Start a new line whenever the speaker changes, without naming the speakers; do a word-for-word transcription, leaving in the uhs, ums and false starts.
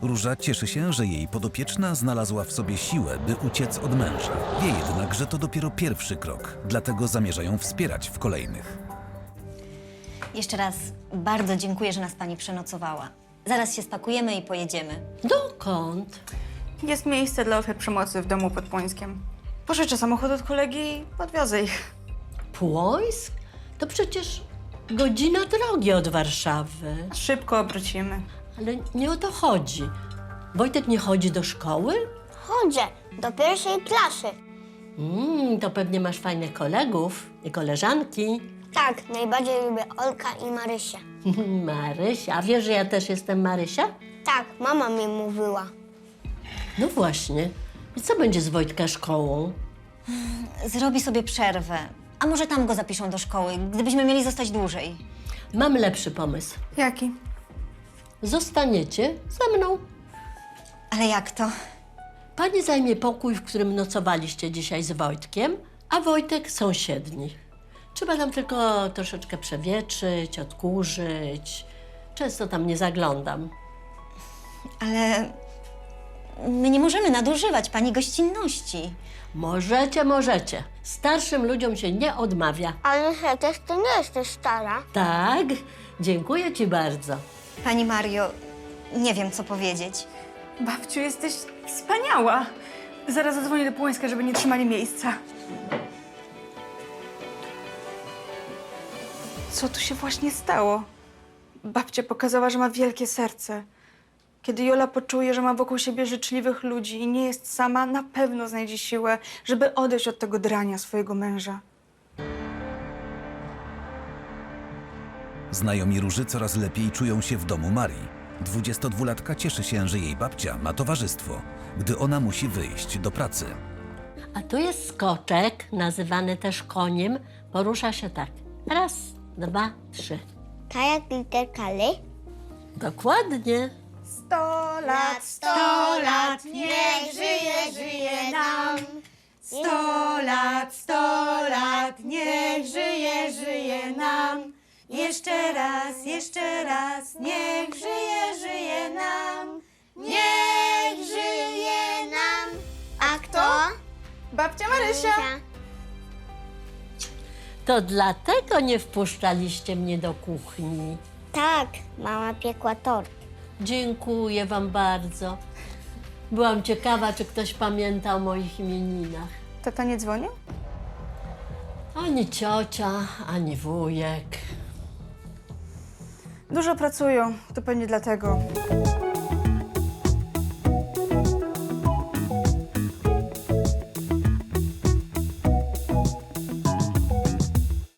Róża cieszy się, że jej podopieczna znalazła w sobie siłę, by uciec od męża. Wie jednak, że to dopiero pierwszy krok, dlatego zamierza ją wspierać w kolejnych.
Jeszcze raz bardzo dziękuję, że nas pani przenocowała. Zaraz się spakujemy i pojedziemy.
Dokąd?
Jest miejsce dla ofiar przemocy w domu pod Płońskiem. Pożyczę samochód od kolegi i podwiozę ich.
Płońsk? To przecież godzina drogi od Warszawy.
Szybko obrócimy.
Ale nie o to chodzi. Wojtek nie chodzi do szkoły?
Chodzę do pierwszej klasy.
Mm, to pewnie masz fajnych kolegów i koleżanki.
Tak, najbardziej lubię Olka i Marysia.
Marysia. A wiesz, że ja też jestem Marysia?
Tak, mama mi mówiła.
No właśnie. I co będzie z Wojtka szkołą?
Zrobi sobie przerwę. A może tam go zapiszą do szkoły, gdybyśmy mieli zostać dłużej.
Mam lepszy pomysł.
Jaki?
Zostaniecie ze mną.
Ale jak to?
Pani zajmie pokój, w którym nocowaliście dzisiaj z Wojtkiem, a Wojtek sąsiedni. Trzeba tam tylko troszeczkę przewietrzyć, odkurzyć. Często tam nie zaglądam.
Ale my nie możemy nadużywać pani gościnności.
Możecie, możecie. Starszym ludziom się nie odmawia.
Ale przecież ty nie jesteś stara.
Tak? Dziękuję ci bardzo.
Pani Mario, nie wiem, co powiedzieć.
Babciu, jesteś wspaniała. Zaraz zadzwonię do Płońska, żeby nie trzymali miejsca. Co tu się właśnie stało? Babcia pokazała, że ma wielkie serce. Kiedy Jola poczuje, że ma wokół siebie życzliwych ludzi i nie jest sama, na pewno znajdzie siłę, żeby odejść od tego drania swojego męża.
Znajomi Róży coraz lepiej czują się w domu Marii. Dwudziestodwulatka cieszy się, że jej babcia ma towarzystwo, gdy ona musi wyjść do pracy.
A tu jest skoczek, nazywany też koniem. Porusza się tak. Raz, dwa, trzy.
K jak literka L.
Dokładnie.
Sto lat, sto lat, niech żyje, żyje nam. Sto lat, sto lat, niech żyje, żyje nam. Jeszcze raz, jeszcze raz, niech żyje, żyje nam. Niech żyje nam.
A kto?
Babcia Marysia.
To dlatego nie wpuszczaliście mnie do kuchni.
Tak, mama piekła tort.
Dziękuję wam bardzo. Byłam ciekawa, czy ktoś pamięta o moich imieninach.
Tata nie dzwonił?
Ani ciocia, ani wujek.
Dużo pracują, to pewnie dlatego.